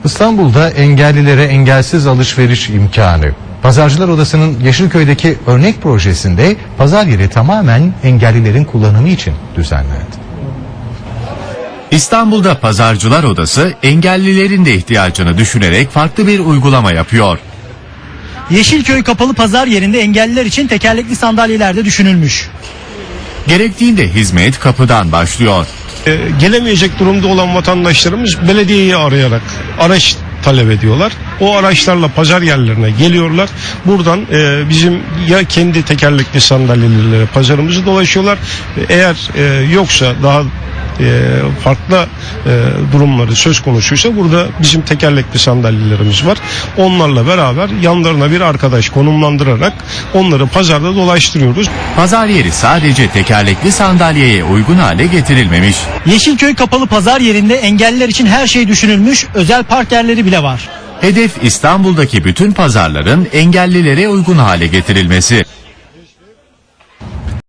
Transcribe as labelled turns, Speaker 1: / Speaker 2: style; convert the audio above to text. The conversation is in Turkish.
Speaker 1: İstanbul'da engellilere engelsiz alışveriş imkanı. Pazarcılar Odası'nın Yeşilköy'deki örnek projesinde pazar yeri tamamen engellilerin kullanımı için düzenlendi.
Speaker 2: İstanbul'da Pazarcılar Odası engellilerin de ihtiyacını düşünerek farklı bir uygulama yapıyor.
Speaker 3: Yeşilköy kapalı pazar yerinde engelliler için tekerlekli sandalyeler de düşünülmüş.
Speaker 2: Gerektiğinde hizmet kapıdan başlıyor.
Speaker 4: Gelemeyecek durumda olan vatandaşlarımız belediyeyi arayarak araç talep ediyorlar. O araçlarla pazar yerlerine geliyorlar. Buradan bizim ya kendi tekerlekli sandalyelerle pazarımızı dolaşıyorlar. Eğer yoksa daha farklı durumları söz konusuysa burada bizim tekerlekli sandalyelerimiz var. Onlarla beraber yanlarına bir arkadaş konumlandırarak onları pazarda dolaştırıyoruz.
Speaker 2: Pazar yeri sadece tekerlekli sandalyeye uygun hale getirilmemiş.
Speaker 3: Yeşilköy kapalı pazar yerinde engelliler için her şey düşünülmüş, özel park yerleri bile var.
Speaker 2: Hedef İstanbul'daki bütün pazarların engellilere uygun hale getirilmesi.